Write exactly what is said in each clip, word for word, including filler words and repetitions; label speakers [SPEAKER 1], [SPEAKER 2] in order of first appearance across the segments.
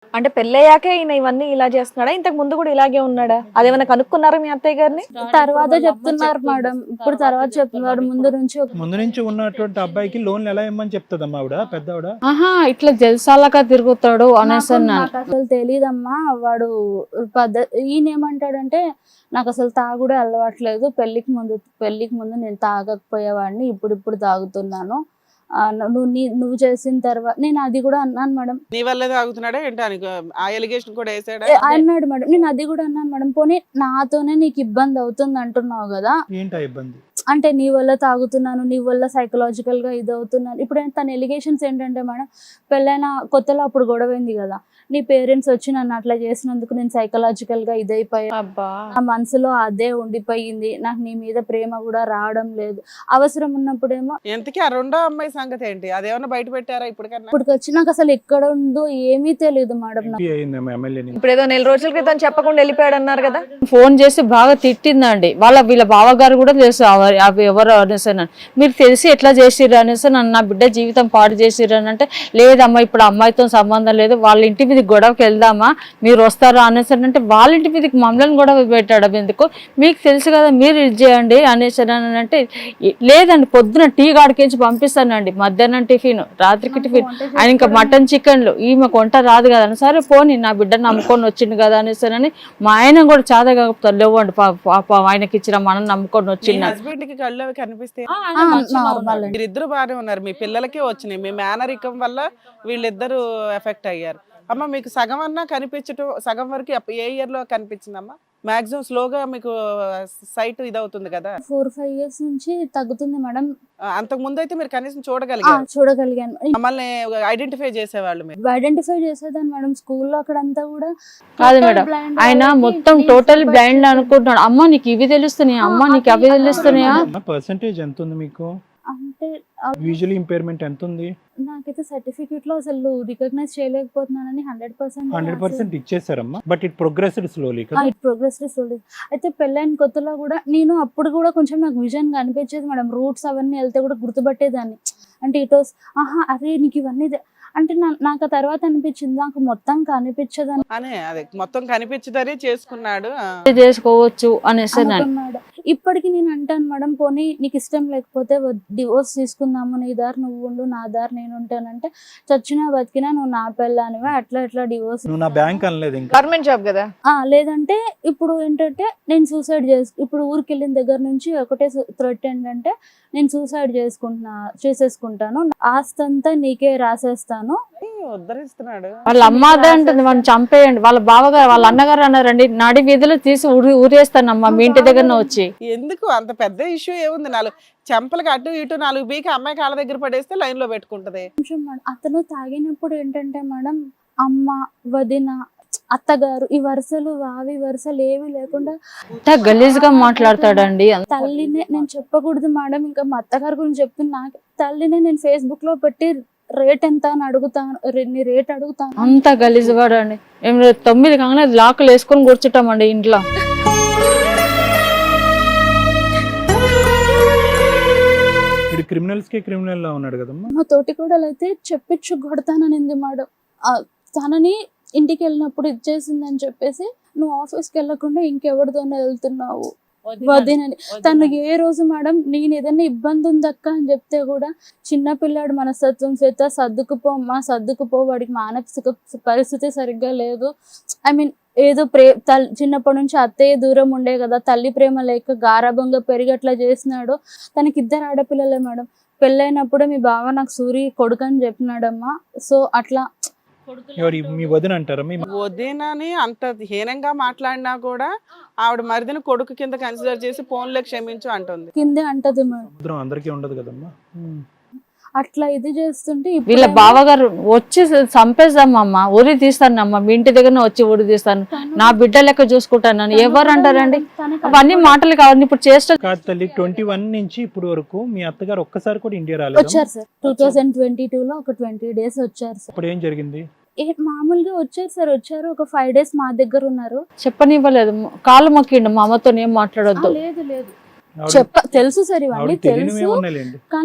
[SPEAKER 1] అంటే పెళ్ళయ్యాకే ఈయన ఇవన్నీ ఇలా చేస్తున్నాడా, ఇంతకు ముందు కూడా ఇలాగే ఉన్నాడా? అదేమైనా కనుక్కున్నారా మీ అత్తయ్య గారిని?
[SPEAKER 2] తర్వాత చెప్తున్నారు మేడం, ఇప్పుడు తర్వాత చెప్తున్నారు. ముందు నుంచి ఒక-
[SPEAKER 3] ముందు నుంచి ఉన్నటువంటి అబ్బాయికి లోన్లు ఎలా ఇమ్మని చెప్తుందమ్మా ఆవిడ, పెద్ద ఆవిడ?
[SPEAKER 4] ఆహా ఇట్లా జల్సాలగా తిరుగుతాడు అనేసి
[SPEAKER 2] నాకు-
[SPEAKER 4] అన్నాను.
[SPEAKER 2] నాకు అసలు తెలీదమ్మా. వాడు పద్ధతి ఈయన ఏమంటాడంటే, నాకు అసలు తాగుడే అలవాట్లేదు, పెళ్లికి ముందు పెళ్లికి ముందు నేను తాగకపోయేవాడిని, ఇప్పుడు ఇప్పుడు తాగుతున్నాను. ఆ, నువ్వు నీ- నువ్వు చేసిన తర్వాత నేను అది కూడా అన్నాను మేడం.
[SPEAKER 5] నీ వల్లే తాగుతున్నాడా ఏంటి అని ఆ ఎలిగేషన్ కూడా వేసాడా?
[SPEAKER 2] ఏ, అన్నాడు మేడం. నేను అది కూడా అన్నాను మేడం. పోనీ నాతోనే నీకు ఇబ్బంది అవుతుంది అంటున్నావు కదా,
[SPEAKER 3] ఏంటా ఇబ్బంది?
[SPEAKER 2] అంటే నీ వల్ల తాగుతున్నాను, నీ వల్ల సైకలాజికల్ గా ఇది అవుతున్నాను. ఇప్పుడు తన ఎలిగేషన్స్ ఏంటంటే మేడం, పెళ్ళైన కొత్తలో అప్పుడు గొడవైంది కదా, నీ పేరెంట్స్ వచ్చి నన్ను అట్లా చేసినందుకు నేను సైకలాజికల్ గా ఇదైపోయా,
[SPEAKER 1] అబ్బా,
[SPEAKER 2] నా మనసులో అదే ఉండిపోయింది, నాకు నీ మీద ప్రేమ కూడా రావడం లేదు. అవసరం ఉన్నప్పుడేమో
[SPEAKER 5] ఎంతకీ ఆ రెండో అమ్మాయి సంగతి ఏంటి? అదేమన్నా బయట పెట్టారా ఇప్పటికన్నా?
[SPEAKER 2] ఇప్పటికి వచ్చి నాకు అసలు ఎక్కడ ఉందో ఏమీ తెలియదు మేడం. నాకు
[SPEAKER 3] ఎంపీ అయిందేమో ఎమ్మెల్యేని.
[SPEAKER 1] ఇప్పుడు ఏదో నెల రోజుల క్రితం చెప్పకుండా వెళ్ళిపోయాడు అన్నారు కదా.
[SPEAKER 4] ఫోన్ చేసి బాగా తిట్టిందండి. వాళ్ళ వీళ్ళ బావగారు కూడా తెలుసు అవ- అవి ఎవరు అనేసి అన్నాను. మీరు తెలిసి ఎట్లా చేసిర్రు అనేసి నన్ను, నా బిడ్డ జీవితం పాడు చేసిర్రు అని అంటే, లేదమ్మా ఇప్పుడు అమ్మాయితో సంబంధం లేదు, వాళ్ళ ఇంటి మీద గొడవకి వెళ్దామా మీరు వస్తారా అనేసి అంటే, వాళ్ళ ఇంటి మీదకి మమ్మల్ని గొడవ పెట్టాడు ఎందుకు, మీకు తెలుసు కదా మీరు ఇది చేయండి అనేసి అని అంటే, లేదండి పొద్దున టీ గాడికించి పంపిస్తానండి, మధ్యాహ్నం టిఫిన్, రాత్రికి టిఫిన్, ఆయన ఇంకా మటన్ చికెన్లు, ఈమె వంట రాదు కదా అని, సరే పోనీ నా బిడ్డ నమ్ముకొని వచ్చింది కదా అనేసి అని మా ఆయన కూడా చాలా కాకపోతారు, లేవండి పాప ఆయనకి ఇచ్చిన మనం నమ్ముకొని వచ్చింది.
[SPEAKER 5] హస్బెండ్ కి కళ్ళు అవి కనిపిస్తే
[SPEAKER 2] నార్మల్ అండి.
[SPEAKER 5] మీరిద్దరు బాగానే ఉన్నారు, మీ పిల్లలకే వచ్చినాయి, మీ మేనరికం వల్ల వీళ్ళిద్దరు ఎఫెక్ట్ అయ్యారు. అమ్మ మీకు సగం అన్నా కనిపించటం, సగం వరకు ఎప్ప- ఏ ఇయర్ లో కనిపించిందమ్మా మాక్సిమం? స్లోగా మీకు సైట్ ఇదవుతుంది కదా,
[SPEAKER 2] ఫోర్ ఫైవ్ ఇయర్స్ నుంచి తగ్గుతుంది మేడం.
[SPEAKER 5] అంతకు ముందు అయితే మీరు కనీసం
[SPEAKER 2] ఆ,
[SPEAKER 5] చూడగలిగారు,
[SPEAKER 2] చూడగలిగాను.
[SPEAKER 5] మమ్మల్ని ఐడెంటిఫై చేసేవాళ్ళు మీరు.
[SPEAKER 2] ఐడెంటిఫై చేసేదాన్ని మేడం. స్కూల్లో అక్కడంతా కూడా
[SPEAKER 4] కాదు
[SPEAKER 2] total
[SPEAKER 4] మేడం,
[SPEAKER 2] blind
[SPEAKER 4] ఆయన
[SPEAKER 2] వాళ్ళకి
[SPEAKER 4] మొత్తం
[SPEAKER 2] please
[SPEAKER 4] టోటల్
[SPEAKER 2] provide
[SPEAKER 4] బ్లైండ్
[SPEAKER 2] చేశారు.
[SPEAKER 4] అనుకుంటున్నాడు. అమ్మ నీకు ఇవి తెలుస్తున్నాయా, అమ్మ నీకు అవి తెలుస్తున్నాయా?
[SPEAKER 3] పర్సెంటేజ్ ఎంత ఉంది మీకు?
[SPEAKER 2] అంటే
[SPEAKER 3] విజువల్ ఇంపైర్మెంట్ ఎంత ఉంది?
[SPEAKER 2] నాకైతే సర్టిఫికెట్ లో అసలు రికగ్నైజ్ చేయలేకపోతున్నానని హండ్రెడ్ పర్సెంట్
[SPEAKER 3] హండ్రెడ్ పర్సెంట్ ఇచ్చేసారమ్మా, బట్ ఇట్ ప్రోగ్రెస్డ్ స్లోలీ కదా.
[SPEAKER 2] ఇట్ ప్రోగ్రెస్ అయితే పెళ్ళైన కొత్తలో కూడా నేను అప్పుడు కూడా కొంచెం నాకు విజన్ కనిపించేది మేడం. రూట్స్ అవన్నీ వెళ్తే కూడా గుర్తుపట్టేదాన్ని. అంటే ఇటో ఆహా అరే నీకు ఇవన్నీ తె-" అంటే నా- నాకు ఆ తర్వాత అనిపించింది నాకు మొత్తం కనిపించదని
[SPEAKER 5] అనే అదే మొత్తం కనిపించదనే చేసుకున్నాడు. ఆ.
[SPEAKER 4] చేసుకోవచ్చు అనేసి అన్నాను.
[SPEAKER 2] అనుకున్నాడు. ఇప్పటికి నేను అంటాను మేడం, పోనీ నీకు ఇష్టం లేకపోతే డివోర్స్ తీసుకుందాము, నీ దారి నువ్వు ఉండు, నా దారి నేను ఉంటానంటే, చచ్చినా బతికినా నువ్వు నా పెళ్ళానివే, అట్లా ఎట్లా డివోర్స్.
[SPEAKER 3] నువ్వు నా బ్యాంక్ అనలేదు ఇంకా.
[SPEAKER 1] గవర్నమెంట్ జాబ్ కదా.
[SPEAKER 2] ఆ లేదంటే ఇప్పుడు ఏంటంటే నేను సూసైడ్ చేసు ఇప్పుడు ఊరికి వెళ్ళిన దగ్గర నుంచి ఒకటే థ్రెట్ ఏంటంటే, నేను సూసైడ్ చేసుకుంటున్నా చేసేసుకుంటాను, ఆస్తి అంతా నీకే రాసేస్తాను.
[SPEAKER 5] ఉద్ధరిస్తున్నాడు.
[SPEAKER 4] వాళ్ళ అమ్మ అదే అంటుంది, వాళ్ళని చంపేయండి. వాళ్ళ బావగారు వాళ్ళ అన్నగారు అన్నారండి, నడి వీధిలో తీసి ఊరి ఊరేస్తానమ్మా మీ ఇంటి దగ్గర వచ్చి.
[SPEAKER 5] ఎందుకు అంత పెద్ద ఇష్యూ ఏముంది? నాలుగు చెంపలకి అటు ఇటు నాలుగు బీకి అమ్మాయి కాళ్ళ దగ్గర పడేస్తే లైన్ లో పెట్టుకుంటది.
[SPEAKER 2] కొంచెం మేడం, అతను తాగినప్పుడు ఏంటంటే మేడం, అమ్మ, వదిన, అత్తగారు, ఈ వరుసలు వావి వరుసలు ఏవి లేకుండా
[SPEAKER 4] అంత గలీజ్ గా మాట్లాడతాడండి.
[SPEAKER 2] తల్లినే నేను చెప్పకూడదు మేడం, ఇంకా మా అత్తగారి గురించి చెప్తున్నా. నాకు తల్లినే నేను ఫేస్బుక్ లో పెట్టి రేట్ ఎంత అని అడుగుతాను, రే- నీ రేట్ అడుగుతాను.
[SPEAKER 4] అంత గలీజ్ వాడండి. మేము రేపు తొమ్మిది కాగానే లాకులు వేసుకొని కూర్చుంటామండి ఇంట్లో.
[SPEAKER 3] ఇది క్రిమినల్స్ కి క్రిమినల్ లా ఉన్నాడు కదమ్మా.
[SPEAKER 2] మా తోటి కూడా అయితే చెప్పించు కొడతాననింది మేడం. ఆ, తనని ఇంటికి వెళ్ళినప్పుడు ఇచ్చేసిందని చెప్పేసి, నువ్వు ఆఫీస్కి వెళ్ళకుండా ఇంకెవరితోనే వెళ్తున్నావు వదినని. తను ఏ రోజు మేడం నేను ఏదైనా ఇబ్బంది ఉందక్క అని చెప్తే కూడా, చిన్న పిల్లాడు మనస్తత్వం చేత సర్దుకుపో అమ్మా సర్దుకుపో, వాడికి మానసిక పరిస్థితి సరిగ్గా లేదు, ఐ మీన్ ఏదో ప్రే తల్లి చిన్నప్పటి నుంచి అత్తయ్య దూరం ఉండే కదా, తల్లి ప్రేమ లేక గారాభంగా పెరిగి అట్లా చేసినాడు. తనకి ఇద్దరు ఆడపిల్లలే మేడం. పెళ్ళైనప్పుడే మీ బావ నాకు సూరి కొడుకు అని చెప్పినాడమ్మా. సో అట్లా
[SPEAKER 3] ఎవరు మీ వదిన అంటారా? మీ
[SPEAKER 5] వదినని అంత హీనంగా మాట్లాడినా కూడా ఆవిడ మరిదిని కొడుకు కింద కన్సిడర్ చేసి ఫోన్లో క్షమించు అంటుంది.
[SPEAKER 2] కిందే అంటది మేడం.
[SPEAKER 3] సముద్రం అందరికీ ఉండదు కదమ్మా. ఉమ్.
[SPEAKER 2] అట్లా ఇది చేస్తుంటే ఇప్పుడు
[SPEAKER 4] వీళ్ళ
[SPEAKER 2] ఏమో
[SPEAKER 4] బావగారు వచ్చి చంపేస్తామమ్మా, ఊరి తీస్తానమ్మా, మీ ఇంటి దగ్గర వచ్చి ఊరి తీస్తాను, నా బిడ్డ లెక్క చూసుకుంటాను ఎవరు అంటారండి?
[SPEAKER 2] తనకి
[SPEAKER 4] అవన్నీ మాటలు కావాలి. ఇప్పుడు చేష్ట
[SPEAKER 3] కాదు తల్లి, ట్వంటీ వన్ నుంచి ఇప్పుడు వరకు మీ అత్తగారు ఒక్కసారి కూడా ఇండియా రాలేదు.
[SPEAKER 2] వచ్చారు sir. Two thousand twenty two లో ఒక ట్వంటీ డేస్ వచ్చారు సార్.
[SPEAKER 3] ఇప్పుడు ఏం జరిగింది?
[SPEAKER 2] ఏ మామూలుగా వచ్చారు సార్. వచ్చారు ఒక ఫైవ్ డేస్ మా దగ్గర ఉన్నారు.
[SPEAKER 4] చెప్పనివ్వలేదు, కాళ్ళు మొక్కిండు మా అమ్మతో ఏం
[SPEAKER 2] ఆ,
[SPEAKER 4] మాట్లాడొద్దు.
[SPEAKER 2] లేదు లేదు
[SPEAKER 3] ఆవిడ-
[SPEAKER 2] చెప్ప తెలుసు సార్, ఇవన్నీ
[SPEAKER 3] ఆవిడకి తెలియనివి
[SPEAKER 2] తెలుసు.
[SPEAKER 3] ఏమున్నాయిలేండి.
[SPEAKER 2] కానీ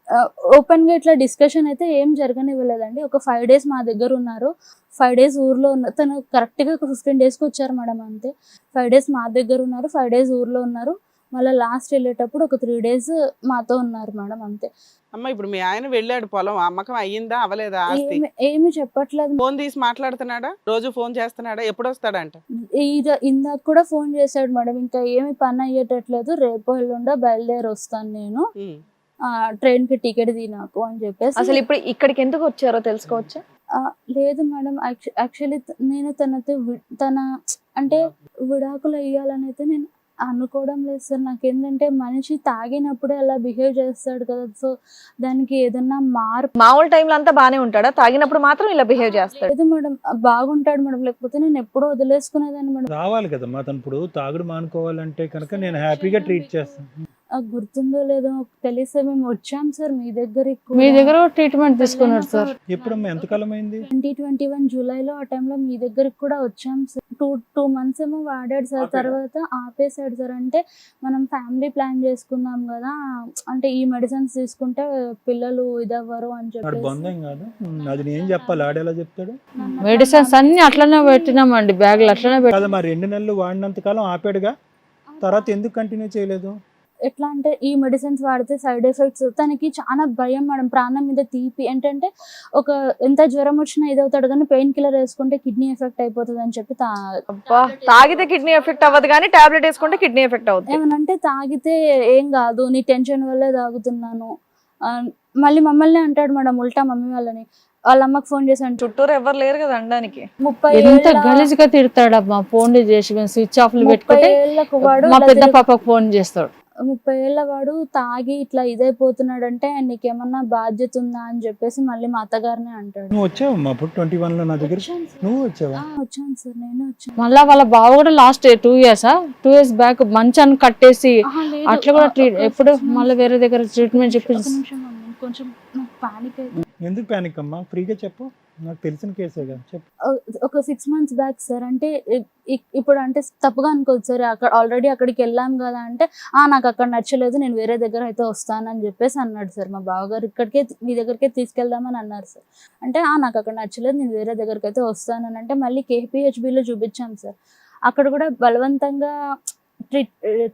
[SPEAKER 2] ఓపెన్ గా ఇట్లా డిస్కషన్ అయితే ఏం జరగనివ్వలేదండి. ఒక ఫైవ్ డేస్ మా దగ్గర ఉన్నారు, ఫైవ్ డేస్ ఊర్లో ఉన్న తను కరెక్ట్ గా ఒక ఫిఫ్టీన్ డేస్ కి వచ్చారు మేడం అంతే. ఫైవ్ డేస్ మా దగ్గర ఉన్నారు, ఫైవ్ డేస్ ఊర్లో ఉన్నారు, మళ్ళీ లాస్ట్ వెళ్ళేటప్పుడు ఒక త్రీ డేస్ మాతో ఉన్నారు మేడం అంతే.
[SPEAKER 5] అమ్మ ఇప్పుడు మీ ఆయన వెళ్ళాడు పొలం, అమ్మకం అయ్యిందా అవలేదా ఆస్తి?
[SPEAKER 2] ఏమి ఏమి చెప్పట్లేదు.
[SPEAKER 5] ఫోన్ తీసి మాట్లాడుతున్నాడా, రోజు ఫోన్ చేస్తున్నాడా, ఎప్పుడు వస్తాడంట?
[SPEAKER 2] ఇది ఇందాక కూడా ఫోన్ చేశాడు మేడం, ఇంకా ఏమి పని అయ్యేటట్లేదు, రేపు ఎల్లుండో బయలుదేరి వస్తాను నేను,
[SPEAKER 5] ఉమ్.
[SPEAKER 2] ఆ ట్రైన్ కి టికెట్ తీ నాకు అని చెప్పేసి.
[SPEAKER 1] అసలు ఇప్పుడు ఇక్కడికి ఎందుకు వచ్చారో తెలుసుకోవచ్చా?
[SPEAKER 2] ఆ, లేదు మేడం, యాక్చువల్లీ నేను తనతో వి- తన అంటే విడాకులు వేయాలని అయితే నేను అనుకోవడం లేదు సార్. నాకేంటంటే మనిషి తాగినప్పుడే అలా బిహేవ్ చేస్తాడు కదా, సో దానికి ఏదన్నా మార్పు.
[SPEAKER 1] మామూలు టైంలో అంతా బానే ఉంటాడా, తాగినప్పుడు మాత్రం ఇలా బిహేవ్ చేస్తాడు?
[SPEAKER 2] లేదు మేడం, బాగుంటాడు మేడం, లేకపోతే నేను ఎప్పుడో వదిలేసుకునేదాన్ని మేడం.
[SPEAKER 3] రావాలి కదమ్మా తను ఇప్పుడు తాగుడు మానుకోవాలంటే కనుక నేను హ్యాపీగా ట్రీట్ చేస్తాను.
[SPEAKER 2] ఆ, గుర్తుందో లేదో తెలిసే మేము వచ్చాం సార్ మీ దగ్గరికి.
[SPEAKER 4] మీ దగ్గర ట్రీట్మెంట్ తీసుకున్నాడు సార్.
[SPEAKER 3] ఎప్పుడమ్మా ఎంతకాలం అయింది?
[SPEAKER 2] ట్వంటీ ట్వంటీ వన్ జూలైలో ఆ టైంలో మీ దగ్గరికి కూడా వచ్చాం సార్. టూ టూ మంత్స్ ఏమో వాడాడు సార్, తర్వాత ఆపేసాడు సార్. అంటే మనం ఫ్యామిలీ ప్లాన్ చేసుకుందాం కదా, అంటే ఈ మెడిసిన్స్ తీసుకుంటే పిల్లలు ఇదవ్వరు అని
[SPEAKER 3] వాడు
[SPEAKER 2] చెప్పి.
[SPEAKER 3] బంధం కాదు, అది నేను చెప్పాలి, ఆడేలా చెప్తాడు?
[SPEAKER 4] మెడిసిన్స్ అన్ని అట్లనే పెట్టినామండి, బ్యాగులు అట్లనే పెట్టి.
[SPEAKER 3] కదా మరి రెండు నెలలు వాడినంత కాలం ఆపాడుగా, తర్వాత ఎందుకు కంటిన్యూ చేయలేదు?
[SPEAKER 2] ఎట్లా అంటే ఈ మెడిసిన్స్ వాడితే సైడ్ ఎఫెక్ట్స్, తనకి చాలా భయం మేడం, ప్రాణం మీద తీపి. ఏంటంటే ఒక ఎంత జ్వరం వచ్చినా ఇదవుతాడు కానీ పెయిన్ కిల్లర్ వేసుకుంటే కిడ్నీ ఎఫెక్ట్ అయిపోతుంది అని చెప్పి తా-
[SPEAKER 1] అబ్బా, తాగితే కిడ్నీ ఎఫెక్ట్ అవ్వదు కానీ టాబ్లెట్ వేసుకుంటే కిడ్నీ ఎఫెక్ట్ అవుతుంది.
[SPEAKER 2] ఏమనంటే తాగితే ఏం కాదు, నీ టెన్షన్ వల్లే తాగుతున్నాను, ఆ, మళ్ళీ మమ్మల్ని అంటాడు మేడం ఉల్టా, మమ్మీ వాళ్ళని. వాళ్ళ అమ్మకి ఫోన్ చేశాను,
[SPEAKER 1] చుట్టూరు ఎవరు లేరు కదా అనడానికి.
[SPEAKER 2] ముప్పై
[SPEAKER 4] ఎంత
[SPEAKER 2] ఏళ్ళ-
[SPEAKER 4] గలీజ్గా తిడతాడమ్మా, ఫోన్లు చేసి మేము స్విచ్ ఆఫ్లు
[SPEAKER 2] ముప్పై
[SPEAKER 4] పెట్టుకుంటే
[SPEAKER 2] ఏళ్ళకు వాడు
[SPEAKER 4] మా
[SPEAKER 2] ఇలా
[SPEAKER 4] పెద్ద
[SPEAKER 2] తిరుగు-
[SPEAKER 4] పాపకు ఫోన్ చేస్తాడు.
[SPEAKER 2] ముప్పై ఏళ్ళ వాడు తాగి ఇట్లా ఇదైపోతున్నాడు అంటే నీకేమన్నా బాధ్యత ఉందా అని చెప్పేసి మళ్ళీ మా అత్తగారినే అంటాడు.
[SPEAKER 3] నువ్వు వచ్చావమ్మా అప్పుడు ట్వంటీ వన్ లో నా దగ్గర?
[SPEAKER 2] వచ్చాను సార్.
[SPEAKER 3] నువ్వు వచ్చావా?
[SPEAKER 2] ఆ, వచ్చాను సార్, నేను వచ్చాను.
[SPEAKER 4] మళ్ళా వాళ్ళ బావ కూడా last two years two years back మంచాన్ని కట్టేసి
[SPEAKER 2] ఆహా, లేదు.
[SPEAKER 4] అట్లా కూడా
[SPEAKER 2] ఆ,
[SPEAKER 4] ట్రీట్
[SPEAKER 2] ఒక
[SPEAKER 4] ఎప్పుడు
[SPEAKER 2] six months-
[SPEAKER 4] మళ్ళీ వేరే దగ్గర ట్రీట్మెంట్
[SPEAKER 2] ఒక
[SPEAKER 4] చెప్పి.
[SPEAKER 2] నిమిషం అమ్మ, కొంచెం నాకు పానిక్ అయితే.
[SPEAKER 3] ఎందుకు ప్యానిక్ అమ్మా, ఫ్రీగా చెప్పు, నాకు తెలిసిన కేసే కదా, చెప్పు.
[SPEAKER 2] ఒక సిక్స్ మంత్స్ బ్యాక్ సార్, అంటే ఇ- ఇ- ఇప్పుడు అంటే తప్పుగా అనుకోదు సార్, అక్కడ ఆల్రెడీ అక్కడికి వెళ్ళాం కదా అంటే, ఆ నాకు అక్కడ నచ్చలేదు, నేను వేరే దగ్గర అయితే వస్తానని చెప్పేసి అన్నాడు సార్. మా బావగారు ఇక్కడికే మీ దగ్గరికే తీసుకెళ్దామని అన్నారు సార్. అంటే ఆ నాకు అక్కడ నచ్చలేదు, నేను వేరే దగ్గరికి అయితే వస్తానని అంటే మళ్ళీ కేపీహెచ్బిలో చూపించాం సార్. అక్కడ కూడా బలవంతంగా ట్రీట్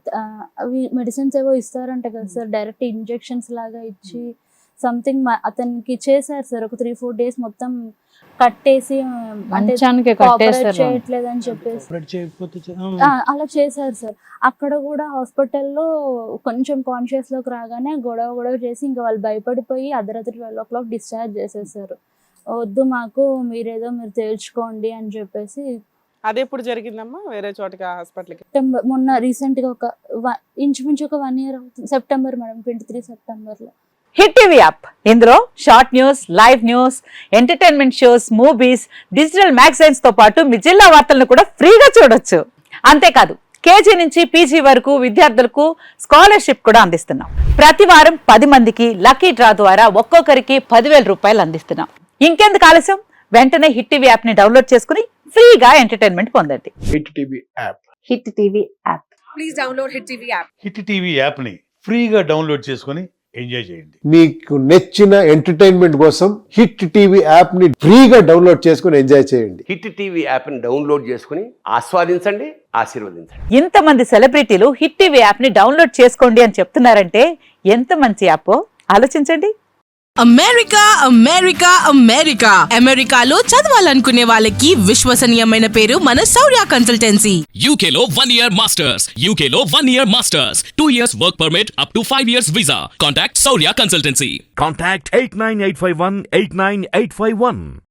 [SPEAKER 2] అవి మెడిసిన్స్ ఏవో ఇస్తారంట కదా సార్, డైరెక్ట్ ఇంజెక్షన్స్ లాగా ఇచ్చి సంథింగ్ అతనికి చేశారు సార్. ఒక త్రీ ఫోర్ డేస్ మొత్తం కట్టేసి, అంటే
[SPEAKER 4] మంచానికి
[SPEAKER 2] కోఆపరేట్
[SPEAKER 4] కట్టేస్తారు.
[SPEAKER 2] చేయట్లేదు అని చెప్పేసి
[SPEAKER 3] ఆపరేట్ చేయకపోతే చే- ఆ.
[SPEAKER 2] ఆ, అలా చేశారు సార్. అక్కడ కూడా హాస్పిటల్లో కొంచెం కాన్షియస్ లోకి రాగానే గొడవ గొడవ చేసి ఇంకా వాళ్ళు భయపడిపోయి అర్ధరాత్రి ట్వెల్వ్ ఓ క్లాక్ డిశ్చార్జ్ చేసేసారు. వద్దు మాకు, మీరేదో మీరు తేల్చుకోండి అని చెప్పేసి.
[SPEAKER 5] అది ఎప్పుడు జరిగిందమ్మా, వేరే చోటకి హాస్పిటల్కి?
[SPEAKER 2] సెప్టెంబర్ మొన్న రీసెంట్ గా ఒక వ- ఇంచుమించు ఒక వన్ ఇయర్ అవుతుంది, September madam, twenty three September లో.
[SPEAKER 6] హిట్ టీవీ యాప్, ఇందులో short news, live news, entertainment shows, movies, digital magazines తో పాటు మీ జిల్లా వార్తలను కూడా ఫ్రీగా చూడొచ్చు. అంతేకాదు కేజీ నుంచి పీజీ వరకు విద్యార్థులకు స్కాలర్షిప్ కూడా అందిస్తున్నాం. ప్రతి వారం పది మందికి లక్కీ డ్రా ద్వారా ఒక్కొక్కరికి పదివేల రూపాయలు అందిస్తున్నాం. ఇంకెందుకు ఆలస్యం, వెంటనే హిట్ టీవీ యాప్ ని డౌన్లోడ్ చేసుకుని ఫ్రీగా ఎంటర్టైన్మెంట్ పొందండి.
[SPEAKER 7] Hit TV app.
[SPEAKER 6] Hit TV app.
[SPEAKER 8] Hit TV యాప్ని ఫ్రీగా డౌన్లోడ్ చేసుకొని ఎంజాయ్ చేయండి.
[SPEAKER 7] మీకు నచ్చిన ఎంటర్టైన్మెంట్ కోసం హిట్ టీవీ యాప్ ని ఫ్రీగా డౌన్లోడ్ చేసుకుని ఎంజాయ్ చేయండి.
[SPEAKER 9] హిట్ టీవీ యాప్ని డౌన్లోడ్ చేసుకుని ఆస్వాదించండి, ఆశీర్వదించండి.
[SPEAKER 6] ఇంతమంది సెలబ్రిటీలు హిట్ టీవీ యాప్ ని డౌన్లోడ్ చేసుకోండి అని చెప్తున్నారంటే ఎంత మంచి యాప్ ఆలోచించండి.
[SPEAKER 10] అమెరికా అమెరికా అమెరికా అమెరికాలో చదవాలనుకునే వాళ్ళకి విశ్వసనీయమైన పేరు మన శౌర్య కన్సల్టెన్సీ.
[SPEAKER 11] యూకేలో వన్ ఇయర్ మాస్టర్స్ యూకేలో one year masters two years work permit up to five years visa. Contact Shaurya consultancy.
[SPEAKER 12] Contact eight nine eight five one eight nine eight five one.